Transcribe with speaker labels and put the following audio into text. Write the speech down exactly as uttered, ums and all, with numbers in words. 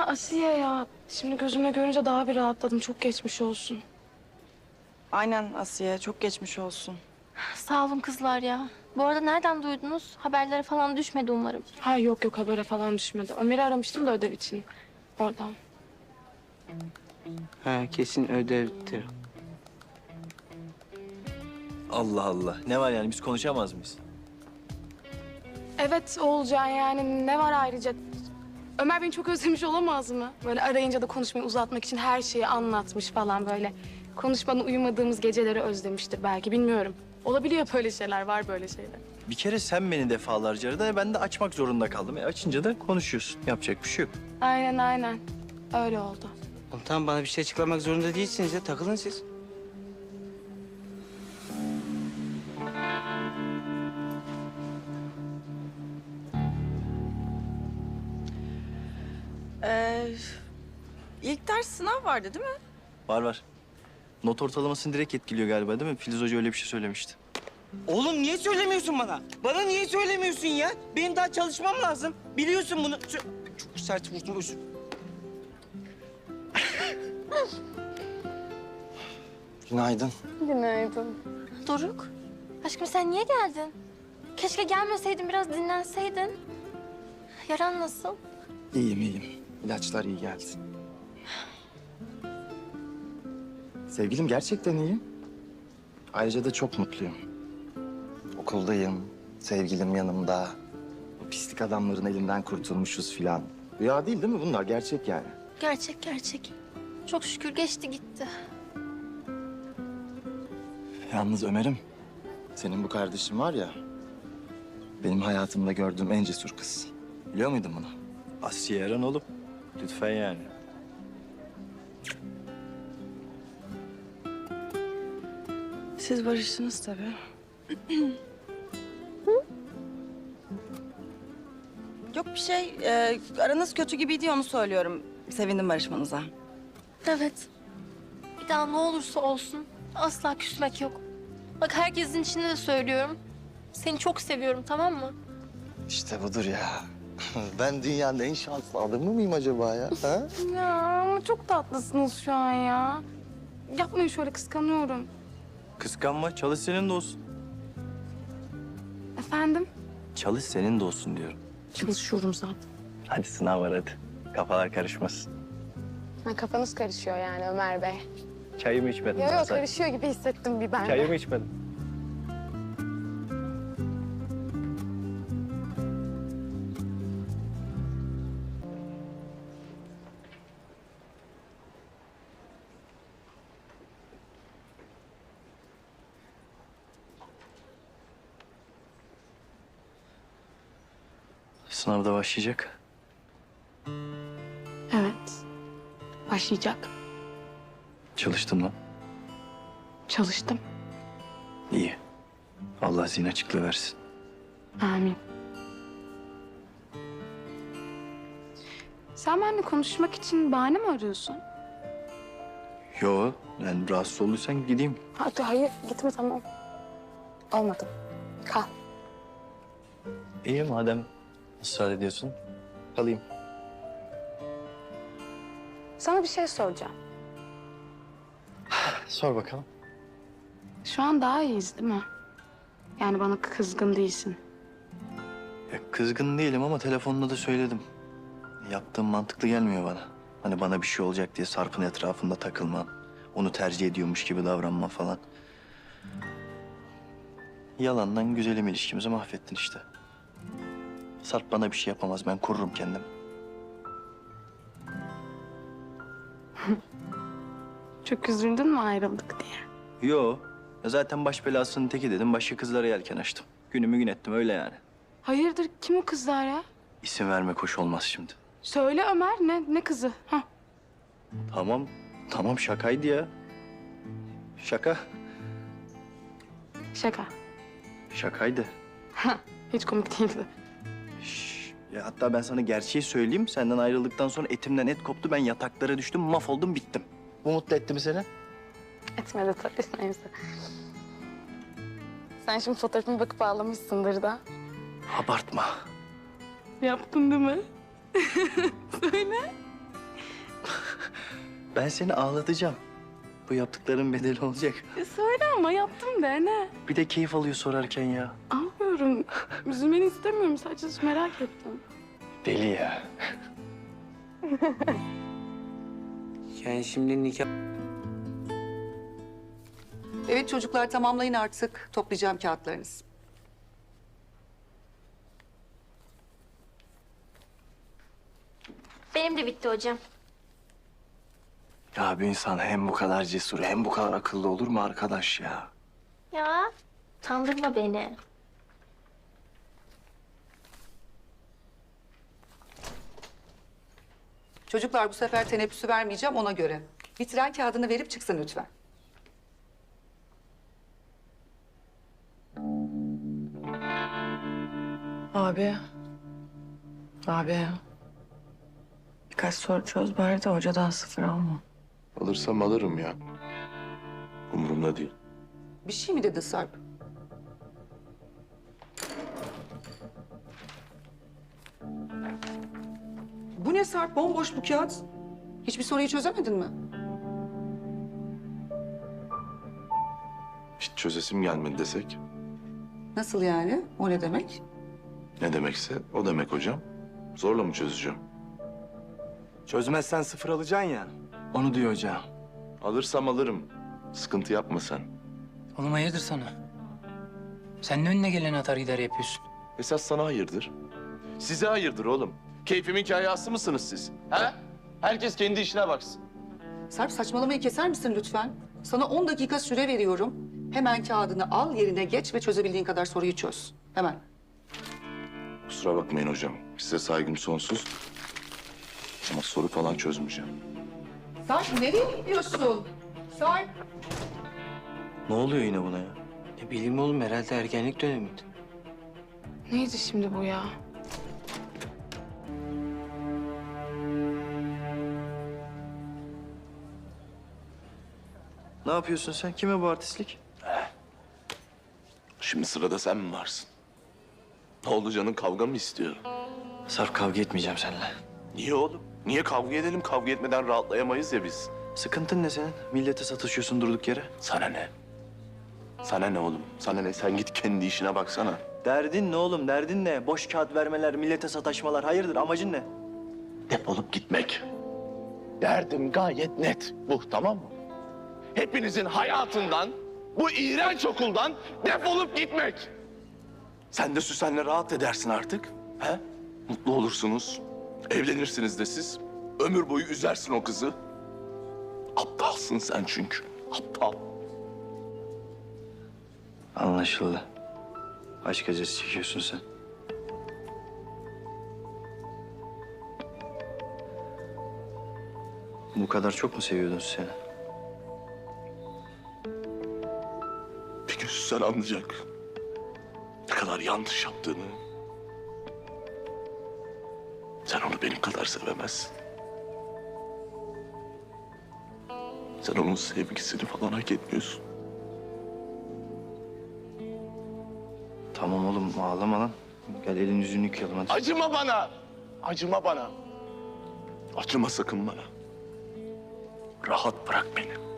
Speaker 1: Asiye ya. Şimdi gözüme görünce daha bir rahatladım. Çok geçmiş olsun.
Speaker 2: Aynen Asiye, çok geçmiş olsun.
Speaker 3: Sağ olun kızlar ya. Bu arada nereden duydunuz? Haberlere falan düşmedi umarım.
Speaker 1: Ha yok yok habere falan düşmedi. Ömer'i aramıştım da ödev için. Oradan.
Speaker 4: Ha kesin ödevdir.
Speaker 5: Allah Allah. Ne var yani biz konuşamaz mıyız?
Speaker 1: Evet Oğulcan yani ne var ayrıca? Ömer beni çok özlemiş olamaz mı? Böyle arayınca da konuşmayı uzatmak için her şeyi anlatmış falan böyle. Konuşmadan uyumadığımız geceleri özlemiştir belki bilmiyorum. Olabiliyor böyle şeyler, var böyle şeyler.
Speaker 5: Bir kere sen beni defalarca aradın. Ben de açmak zorunda kaldım. E açınca da konuşuyorsun. Yapacak bir şey yok.
Speaker 1: Aynen aynen. Öyle oldu.
Speaker 4: Oğlum tamam bana bir şey açıklamak zorunda değilsiniz ya. Takılın siz.
Speaker 2: Ee, ilk ders sınav vardı değil mi?
Speaker 5: Var var. Not ortalamasını direkt etkiliyor galiba değil mi? Filiz Hoca öyle bir şey söylemişti.
Speaker 4: Oğlum niye söylemiyorsun bana? Bana niye söylemiyorsun ya? Benim daha çalışmam lazım. Biliyorsun bunu. Sö- Çok sert vurdum özür.
Speaker 6: Günaydın.
Speaker 1: Günaydın.
Speaker 3: Doruk, aşkım sen niye geldin? Keşke gelmeseydin, biraz dinlenseydin. Yaran nasıl?
Speaker 6: İyiyim, iyiyim. İlaçlar iyi geldi. Sevgilim gerçekten iyiyim. Ayrıca da çok mutluyum. Okuldayım, sevgilim yanımda. Bu pislik adamların elinden kurtulmuşuz filan. Rüya değil değil mi bunlar? Gerçek yani.
Speaker 3: Gerçek gerçek. Çok şükür geçti gitti.
Speaker 6: Yalnız Ömer'im, senin bu kardeşin var ya... benim hayatımda gördüğüm en cesur kız. Biliyor muydun bunu?
Speaker 5: Asiye Eren oğlum. Lütfen yani.
Speaker 2: Siz barıştınız tabii. Yok bir şey. Ee, aranız kötü gibiydi ya, onu söylüyorum. Sevindim barışmanıza.
Speaker 3: Evet. Bir daha ne olursa olsun asla küsmek yok. Bak herkesin içinde de söylüyorum. Seni çok seviyorum, tamam mı?
Speaker 6: İşte budur ya. Ben dünyanın en şanslı adamı mıyım acaba ya? Ha?
Speaker 1: Ya ama çok tatlısınız şu an ya. Yapmayın şöyle, kıskanıyorum.
Speaker 5: Kıskanma. Çalış senin de olsun.
Speaker 1: Efendim?
Speaker 5: Çalış senin de olsun diyorum.
Speaker 1: Çalışıyorum zaten.
Speaker 5: Hadi sınav var hadi. Kafalar karışmasın.
Speaker 1: Ha, kafanız karışıyor yani Ömer Bey.
Speaker 5: Çayımı içmedim.
Speaker 1: Yok
Speaker 5: daha
Speaker 1: yok
Speaker 5: sen.
Speaker 1: karışıyor gibi hissettim bir ben de.
Speaker 5: Çayımı içmedim. Sınavda başlayacak.
Speaker 1: Evet. Başlayacak.
Speaker 5: Çalıştın mı?
Speaker 1: Çalıştım.
Speaker 5: İyi. Allah zihin açıklığı versin.
Speaker 1: Amin. Sen benimle konuşmak için bahane mi arıyorsun?
Speaker 5: Yo, yani rahatsız olduysan gideyim.
Speaker 1: Hadi hayır gitme tamam. Olmadı. Kal.
Speaker 5: İyi madem ısrar ediyorsun. Kalayım.
Speaker 1: Sana bir şey soracağım.
Speaker 5: Sor bakalım.
Speaker 1: Şu an daha iyiyiz değil mi? Yani bana kızgın değilsin.
Speaker 5: Ya kızgın değilim ama telefonda da söyledim. Yaptığım mantıklı gelmiyor bana. Hani bana bir şey olacak diye Sarp'ın etrafında takılman, onu tercih ediyormuş gibi davranma falan. Yalandan güzelim ilişkimizi mahvettin işte. Sarp bana bir şey yapamaz, ben korurum kendimi.
Speaker 1: Çok üzüldün mü ayrıldık diye?
Speaker 5: Yo, ya zaten baş belasının teki dedim, başka kızlara yelken açtım. Günümü gün ettim öyle yani.
Speaker 1: Hayırdır kim o kızlar ya?
Speaker 5: İsim vermek hoş olmaz şimdi.
Speaker 1: Söyle Ömer ne ne kızı? Hah.
Speaker 5: Tamam, tamam şakaydı ya. Şaka,
Speaker 1: Şaka.
Speaker 5: şakaydı.
Speaker 1: Hiç komik değildi.
Speaker 5: Şş, ya hatta ben sana gerçeği söyleyeyim. Senden ayrıldıktan sonra etimden et koptu. Ben yataklara düştüm, mahvoldum, bittim. Bu mutlu etti mi seni?
Speaker 1: Etmedi tabii neyse. Sen şimdi fotoğrafıma bakıp ağlamışsındır da.
Speaker 5: Abartma.
Speaker 1: Yaptın değil mi? Söyle.
Speaker 5: Ben seni ağlatacağım. Bu yaptıkların bedeli olacak.
Speaker 1: Ya söyle ama yaptım de ne?
Speaker 5: Bir de keyif alıyor sorarken ya.
Speaker 1: Anlıyorum. Üzülmeni istemiyorum. Sadece merak ettim.
Speaker 5: Deli ya.
Speaker 4: Yani şimdi nikah...
Speaker 7: Evet çocuklar tamamlayın artık. Toplayacağım kağıtlarınızı.
Speaker 3: Benim de bitti hocam.
Speaker 5: Ya bir insan hem bu kadar cesur hem bu kadar akıllı olur mu arkadaş ya?
Speaker 3: Ya utandırma beni.
Speaker 7: Çocuklar bu sefer teneffüsü vermeyeceğim ona göre. Bitiren kağıdını verip çıksın lütfen.
Speaker 2: Abi. Abi. Birkaç soru çöz bari de hocadan sıfır alma.
Speaker 8: Alırsam alırım ya. Umurumda değil.
Speaker 7: Bir şey mi dedi Sarp? Bu ne Sarp? Bomboş bu kağıt. Hiçbir soruyu çözemedin mi?
Speaker 8: Hiç çözesim gelmedi desek.
Speaker 7: Nasıl yani? O ne demek?
Speaker 8: Ne demekse o demek hocam. Zorla mı çözeceğim?
Speaker 5: Çözmezsen sıfır alacaksın ya. Onu diyor hocam.
Speaker 8: Alırsam alırım. Sıkıntı yapma sen.
Speaker 4: Oğlum hayırdır sana? Sen ne önüne gelen atar gider yapıyorsun?
Speaker 8: Esas sana hayırdır. Size hayırdır oğlum. Keyfimin kayası mısınız siz? He? Herkes kendi işine baksın.
Speaker 7: Sarp saçmalamayı keser misin lütfen? Sana on dakika süre veriyorum. Hemen kağıdını al, yerine geç ve çözebildiğin kadar soruyu çöz. Hemen.
Speaker 8: Kusura bakmayın hocam. Size saygım sonsuz. Ama soru falan çözmeyeceğim.
Speaker 7: Sarp nereye gidiyorsun? Sarp.
Speaker 5: Ne oluyor yine buna ya?
Speaker 4: Ne bileyim oğlum herhalde ergenlik dönemiydi.
Speaker 1: Neydi şimdi bu ya?
Speaker 5: Ne yapıyorsun sen? Kime bu artistlik?
Speaker 8: Şimdi sırada sen mi varsın? Ne oldu canın kavga mı istiyor?
Speaker 5: Sarp kavga etmeyeceğim seninle.
Speaker 8: Niye oğlum? Niye kavga edelim? Kavga etmeden rahatlayamayız ya biz.
Speaker 5: Sıkıntın ne senin? Millete satışıyorsun durduk yere.
Speaker 8: Sana ne? Sana ne oğlum? Sana ne? Sen git kendi işine baksana.
Speaker 5: Derdin ne oğlum? Derdin ne? Boş kağıt vermeler, millete sataşmalar. Hayırdır? Amacın ne?
Speaker 8: Defolup gitmek. Derdim gayet net. Bu tamam mı? Hepinizin hayatından, bu iğrenç okuldan defolup gitmek. Sen de Süsen'le rahat edersin artık. He? Mutlu olursunuz. Evlenirsiniz de siz. Ömür boyu üzersin o kızı. Aptalsın sen çünkü. Aptal.
Speaker 5: Anlaşıldı. Aşk acısı çekiyorsun sen. Bu kadar çok mu seviyordun seni?
Speaker 8: Bir gün Süsen anlayacak. Ne kadar yanlış yaptığını. Sen onu benim kadar sevemezsin. Sen onun sevgisini falan hak etmiyorsun.
Speaker 5: Tamam oğlum ağlama lan. Gel elin yüzünü yıkayalım hadi.
Speaker 8: Acıma bana. Acıma bana. Acıma sakın bana. Rahat bırak beni.